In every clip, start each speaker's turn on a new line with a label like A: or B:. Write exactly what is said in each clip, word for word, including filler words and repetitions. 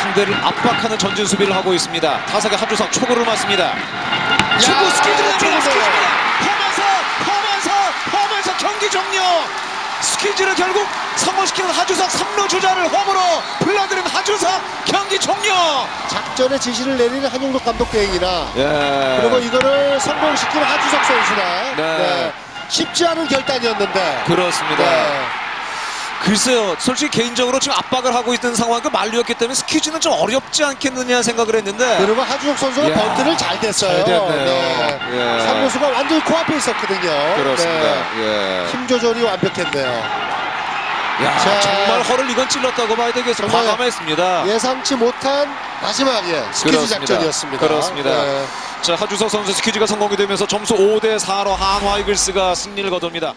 A: 상대를 압박하는 전진 수비를 하고 있습니다. 타석의 하주석 초구를 맞습니다. 초구 스키즈를 스키즈입니다. 홈에서 홈에서 홈에서 경기 종료. 스퀴즈를 결국 성공시키는 하주석 삼 루 주자를 홈으로 불러들인 하주석 경기 종료.
B: 작전의 지시를 내리는 한용덕 감독 대행이나
A: 예.
B: 그리고 이거를 성공시키는 하주석 선수나
A: 네.
B: 네. 쉽지 않은 결단이었는데
A: 그렇습니다.
B: 네.
A: 글쎄요, 솔직히 개인적으로 지금 압박을 하고 있는 상황이 만루였기 때문에 스퀴즈는 좀 어렵지 않겠느냐 생각을 했는데
B: 그리고 하주석 선수가
A: 야,
B: 번트를 잘 댔어요.
A: 잘 됐네요.
B: 네.
A: 예.
B: 삼루수가 완전히 코앞에 있었거든요.
A: 그렇습니다.
B: 네.
A: 예.
B: 힘 조절이 완벽했네요.
A: 야,
B: 자,
A: 정말 허를 이건 찔렀다고 봐야 되겠습니다.
B: 정말
A: 과감했습니다.
B: 예상치 못한 마지막에 스퀴즈
A: 그렇습니다.
B: 작전이었습니다.
A: 그렇습니다.
B: 네.
A: 자, 하주석 선수 스퀴즈가 성공이 되면서 점수 오 대 사로 한화 이글스가 승리를 거둡니다.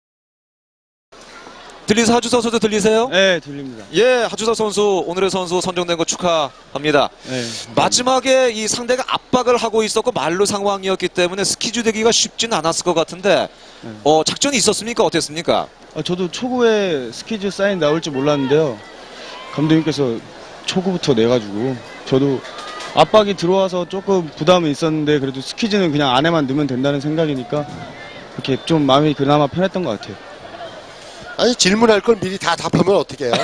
A: 들리세요? 하주석 선수 들리세요?
C: 네, 들립니다.
A: 예, 하주석 선수 오늘의 선수 선정된 거 축하합니다.
C: 네.
A: 마지막에 이 상대가 압박을 하고 있었고 만루 상황이었기 때문에 스퀴즈 되기가 쉽지는 않았을 것 같은데
C: 네.
A: 어, 작전이 있었습니까? 어땠습니까?
C: 아, 저도 초구에 스퀴즈 사인 나올 줄 몰랐는데요. 감독님께서 초구부터 내가지고 저도 압박이 들어와서 조금 부담은 있었는데 그래도 스퀴즈는 그냥 안에만 넣으면 된다는 생각이니까 이렇게 좀 마음이 그나마 편했던 것 같아요.
B: 아니 질문할 걸 미리 다 답하면 어떻게 해요?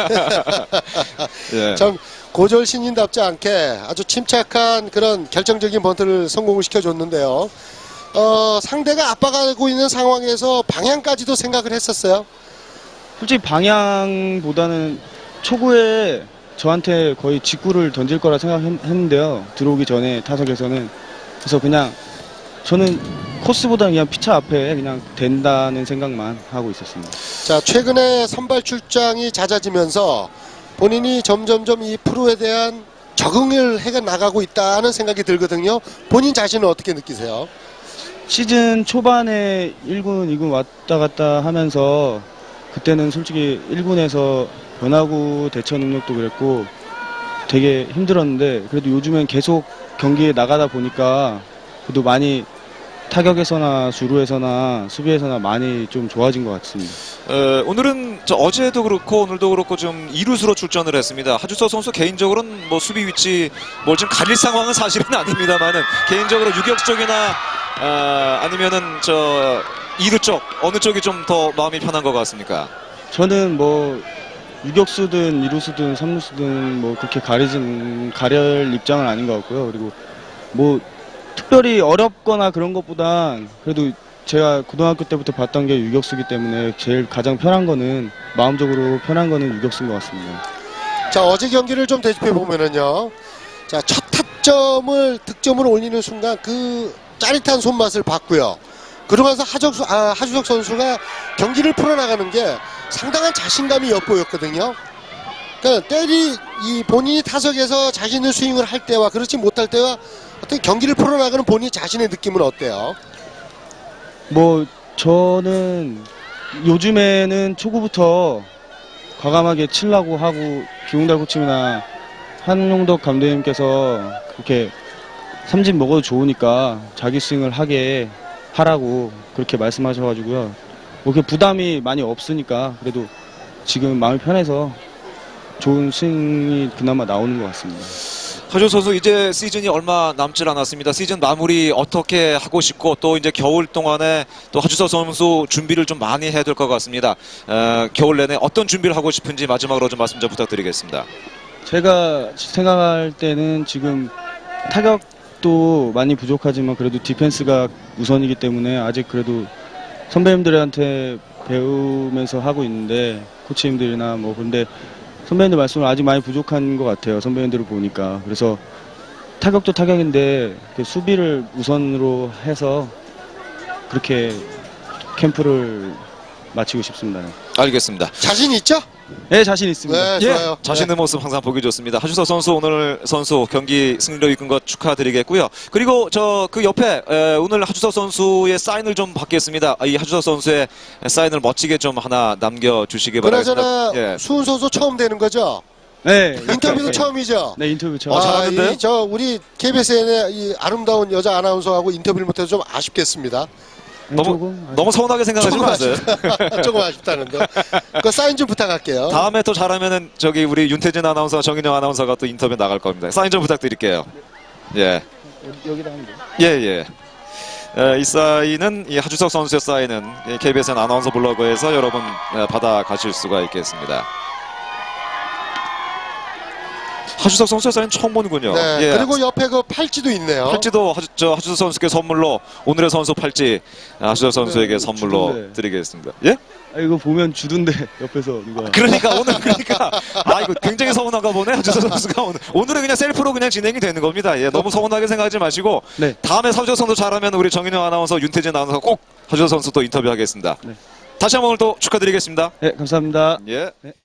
A: 예.
B: 참 고졸 신인답지 않게 아주 침착한 그런 결정적인 번트를 성공을 시켜줬는데요. 어, 상대가 압박하고 있는 상황에서 방향까지도 생각을 했었어요.
C: 솔직히 방향보다는 초구에 저한테 거의 직구를 던질 거라 생각했는데요. 들어오기 전에 타석에서는. 그래서 그냥 저는 코스보다 그냥 피차 앞에 그냥 된다는 생각만 하고 있었습니다.
B: 자, 최근에 선발 출장이 잦아지면서 본인이 점점점 이 프로에 대한 적응을 해 나가고 있다는 생각이 들거든요. 본인 자신은 어떻게 느끼세요?
C: 시즌 초반에 일 군, 이 군 왔다 갔다 하면서 그때는 솔직히 일 군에서 변화구 대처 능력도 그랬고 되게 힘들었는데 그래도 요즘엔 계속 경기에 나가다 보니까 그래도 많이 타격에서나 주루에서나 수비에서나 많이 좀 좋아진 것 같습니다.
A: 어, 오늘은 저 어제도 그렇고 오늘도 그렇고 좀 이루수로 출전을 했습니다. 하주석 선수 개인적으로는 뭐 수비 위치 뭘 좀 가릴 상황은 사실은 아닙니다만은 개인적으로 유격수 쪽이나 어, 아니면은 저 이루 쪽 어느 쪽이 좀 더 마음이 편한 것 같습니까?
C: 저는 뭐 유격수든 이루수든 삼루수든 뭐 그렇게 가리진 가릴 입장은 아닌 것 같고요. 그리고 뭐 특별히 어렵거나 그런 것보단 그래도 제가 고등학교 때부터 봤던 게 유격수기 때문에 제일 가장 편한 거는 마음적으로 편한 거는 유격수인 것 같습니다.
B: 자, 어제 경기를 좀 되짚해 보면은요. 자, 첫 타점을 득점을 올리는 순간 그 짜릿한 손맛을 봤고요. 그러면서 하적수, 아, 하주석 선수가 경기를 풀어나가는 게 상당한 자신감이 엿보였거든요. 그러니까 때리 이 본인이 타석에서 자신의 스윙을 할 때와 그렇지 못할 때와 어떤 경기를 풀어나가는 본인 자신의 느낌은 어때요?
C: 뭐 저는 요즘에는 초구부터 과감하게 치려고 하고 기웅달 코치나 한용덕 감독님께서 그렇게 삼진 먹어도 좋으니까 자기 스윙을 하게 하라고 그렇게 말씀하셔가지고요. 뭐 그 부담이 많이 없으니까 그래도 지금 마음이 편해서 좋은 스윙이 그나마 나오는 것 같습니다.
A: 하주석 선수 이제 시즌이 얼마 남질 않았습니다. 시즌 마무리 어떻게 하고 싶고 또 이제 겨울 동안에 또 하주석 선수 준비를 좀 많이 해야 될 것 같습니다. 어, 겨울 내내 어떤 준비를 하고 싶은지 마지막으로 좀 말씀 좀 부탁드리겠습니다.
C: 제가 생각할 때는 지금 타격도 많이 부족하지만 그래도 디펜스가 우선이기 때문에 아직 그래도 선배님들한테 배우면서 하고 있는데 코치님들이나 뭐 근데 선배님들 말씀을 아직 많이 부족한 것 같아요. 선배님들을 보니까. 그래서 타격도 타격인데 수비를 우선으로 해서 그렇게 캠프를 마치고 싶습니다.
A: 알겠습니다.
B: 자신 있죠?
C: 네, 자신 있습니다.
B: 네,
A: 예,
B: 좋아요.
A: 자신의 모습 항상 보기 좋습니다. 하주석 선수 오늘 선수 경기 승리로 이끈 것 축하드리겠고요. 그리고 저 그 옆에 에, 오늘 하주석 선수의 사인을 좀 받겠습니다. 이 하주석 선수의 사인을 멋지게 좀 하나 남겨주시기 바라겠습니다.
B: 그나저나
A: 예.
B: 수훈 선수 처음 되는 거죠?
C: 네,
B: 인터뷰도
C: 네.
B: 처음이죠?
C: 네, 인터뷰 처음.
A: 어, 잘하는데요?
B: 이, 저 우리 케이비에스의 이 아름다운 여자 아나운서하고 인터뷰를 못해서 좀 아쉽겠습니다.
C: 아니,
A: 너무
C: 조금 아쉽-
A: 너무 서운하게 생각하지
B: 조금
A: 마세요.
B: 아쉽다. 조금 아쉽다는데. 그 사인 좀 부탁할게요.
A: 다음에 또 잘하면은 저기 우리 윤태진 아나운서, 정인영 아나운서가 또 인터뷰 나갈 겁니다. 사인 좀 부탁드릴게요. 예,
C: 여기다 하면 돼요.
A: 예, 예. 에, 이 사인은 이 하주석 선수의 사인은 이 케이비에스엔 아나운서 블로그에서 여러분 에, 받아가실 수가 있겠습니다. 하주석 선수의 사인 처음 보는군요.
B: 네.
A: 예.
B: 그리고 옆에 그 팔찌도 있네요.
A: 팔찌도 하주, 저 하주석 선수께 선물로 오늘의 선수 팔찌 하주석 선수에게
C: 네,
A: 선물로
C: 주던데.
A: 드리겠습니다. 예?
C: 아, 이거 보면 주던데 옆에서 누가.
A: 그러니까 오늘 그러니까 아 이거 굉장히 서운한가 보네 하주석 선수가 오늘 오늘은 그냥 셀프로 그냥 진행이 되는 겁니다. 예, 너무 서운하게 생각하지 마시고
C: 네.
A: 다음에 하주석 선수 잘하면 우리 정인영 아나운서, 윤태진 아나운서 꼭 하주석 선수 또 인터뷰하겠습니다.
C: 네.
A: 다시 한번 오늘 또 축하드리겠습니다.
C: 네, 감사합니다.
A: 예.
C: 네.